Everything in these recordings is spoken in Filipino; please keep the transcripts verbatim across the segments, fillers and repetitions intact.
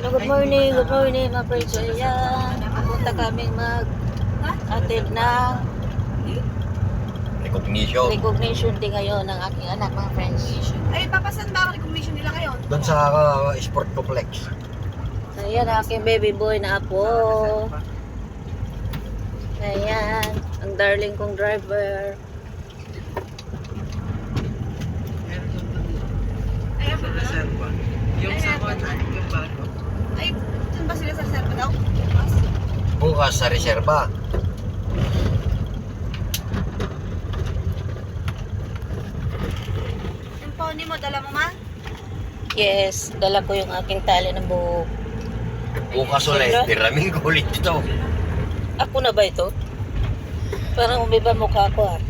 Good morning, good morning mga friends. Ayan, pupunta kami mag-attend ng Recognition. recognition day ngayon ng aking anak mga friends. Ay, papasan ba ang recognition nila ngayon? Doon sa uh, sport complex. Ayan, aking baby boy na apo. Ayan, ang darling kong driver. Ay, ako ba? Yung sa kontan, yung bago. Ay, dun ba sila sa serpa daw? Bukas? Bukas sa reserba. Yung pony mo, dala mo ma? Yes, dala ko yung aking tali ng buhok. Bukas ulit. Tiraming kulit ito. Ako na ba ito? Parang umiba mukha ko ah.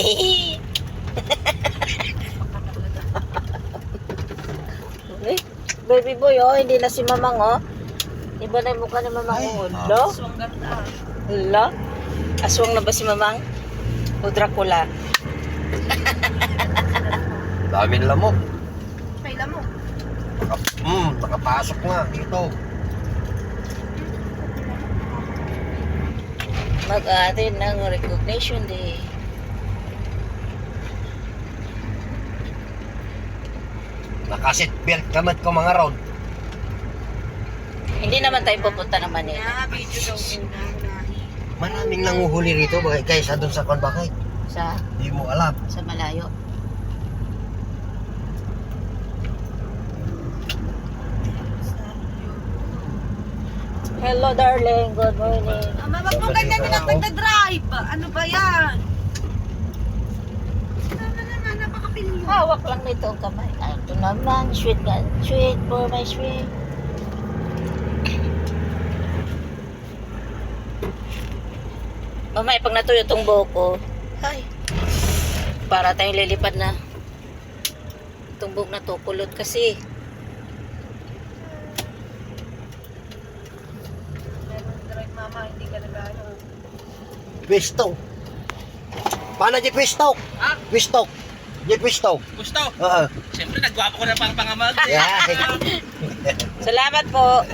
Okay. Baby boy oh, hindi na si Mamang oh. Iba na yung mukha ni Mamang oh. Lo? Aswang ganda. Lo? Aswang na ba si Mamang? O Dracula? Daming lamok. Paila mo. Naka, mm, nakapasok nga dito. Mag-aatin ng recognition day. Nakasit belt kamat ko mga road. Hindi naman tayo pupunta ng Manila. Na, video daw muna. Unahin. Maraming nanguhuli rito bagay kaysa doon sa konbakay. Sa, Hindi mo alam. sa malayo. Hello darling, good morning. Ama, wag mo ganyan nilang nagda-drive. Ano ba yan? Tama naman, napakapilyo. Hawak lang nito ang kamay. Ay, ito naman, sweet ka. Sweet for my sweet. Mamaya, pag natuyo itong buhok ko, ay, para tayong lilipad na. Itong buhok na to, kulot kasi. Meron drive mama, hindi ka nag-ano. Pistol. Paano di pistol? Ah? Pistol. Di pistol. Gusto? Oo. Siyempre, nagwapo ko na pang pangamag. Yeah. Salamat po.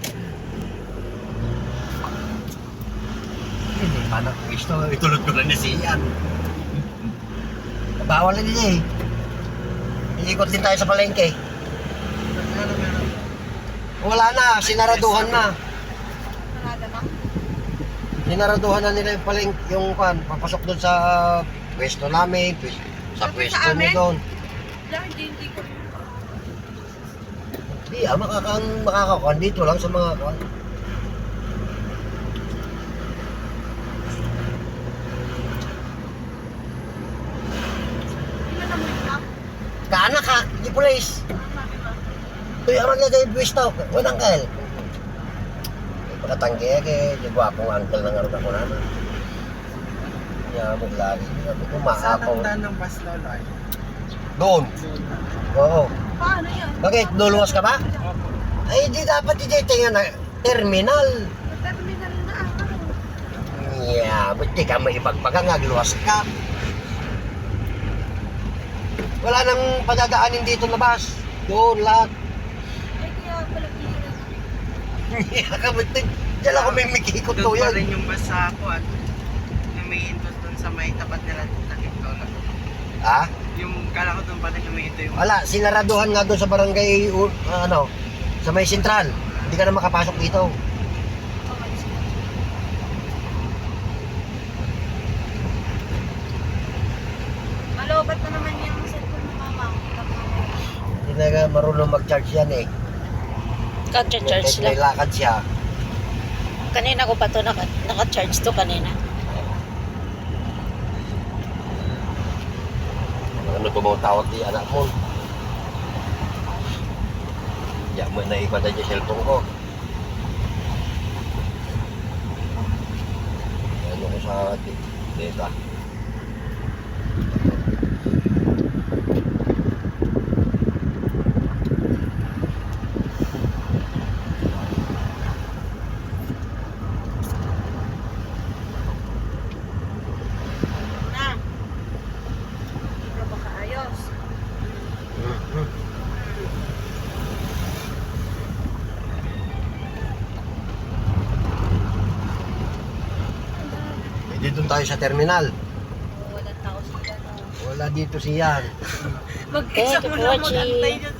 Hindi pa na pistol. Itulot ko na na siyan. Bawal na niya eh. Iikot din tayo sa palengke. Wala na. Sinaraduhan na. Parada ba? Sinaraduhan na nila yung paleng yung kan papasok doon sa pwesto namin, pwes- sa Sa pwesto amin? mo doon. Wala, hindi, hindi ko. Di ah, makakang makakakuan dito lang sa mga kuan. Hindi na mo yung map. Kaana ka, di police. Ang sabi ba? Tuy aman na tayo pwesto. Walang kail. Pagkatanggi ke, di ba akong uncle ng aruga ko na. Ya, mo lagi. Sabi ko Saan maapaw. ang daan ng bus lolo ay? Doon. Oo. Paano yan? Bakit? Luluwas ka ba? Opo. Ay, di dapat i-tingnan na terminal. Terminal na ang ano. Yeah, ba't di ka maipagpaga nga, luwas ka? Wala nang padadaanin dito na bus. Doon lahat. Ay, kaya pala pira. Yeah, kabutin. Diyan ako may mikikot to Doon pa yan. rin yung bus sa ako at lumihinto doon sa may tapat nila takip lolo. Ha? Yung kala ko doon pa rin lumihinto yung Wala, sinaraduhan nga doon sa barangay, uh, ano, sa may sentral. Hindi ka na makapasok dito. Okay, sige. Malobat na naman yung cellphone mo mama. Hindi na nga marunong mag-charge yan eh. Kaka-charge May lang. lakad siya. Kanina ko pa to naka, naka-charge to kanina. Ano tumawag di anak mo? Ya, mo na ipada dyan cellphone ko. Ano ko sa data. Na. Pero baka ayos. Mhm. doon tayo sa terminal. Walang tao sila. no? Wala dito siyan. Mag-isa Thank you mo for lang watching. mag-antay dyan